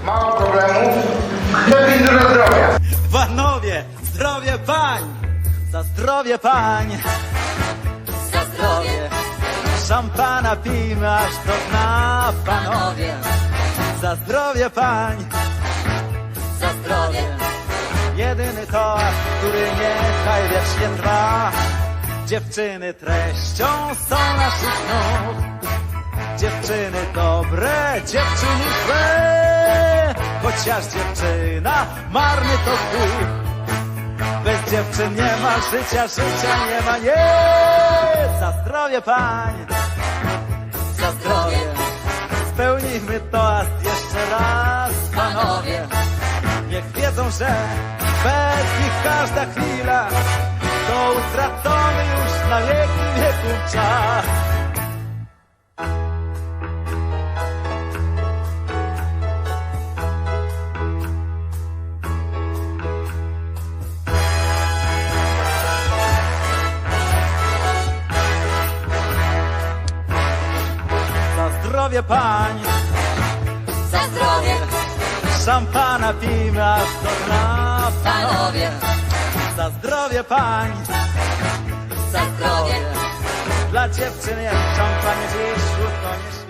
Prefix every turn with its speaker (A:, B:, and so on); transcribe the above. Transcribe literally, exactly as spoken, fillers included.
A: Mało problemów, lepiej dużo zdrowia.
B: Panowie, zdrowie pań! Za zdrowie pań!
C: Za zdrowie,
B: Szampana pijmy, aż to dna, panowie! Za zdrowie pań!
C: za zdrowie,
B: Jedyny toast, który niechaj wiecznie trwa. Dziewczyny treścią są naszych nóg. Dziewczyny dobre, dziewczyny złe. Chociaż dziewczyna marny to chuj. Bez dziewczyn nie ma życia, życia nie ma, nie. Za zdrowie pań,
C: za zdrowie,
B: spełnijmy toast jeszcze raz, panowie. Niech wiedzą, że bez nich każda chwila to utracony już na wieki wieków czas. Za zdrowie pań,
C: za zdrowie,
B: szampana pijmy aż do dna,
C: panowie,
B: za zdrowie pań,
C: za zdrowie,
B: dla dziewczyn jak szampanie dziś, śród koniecznie.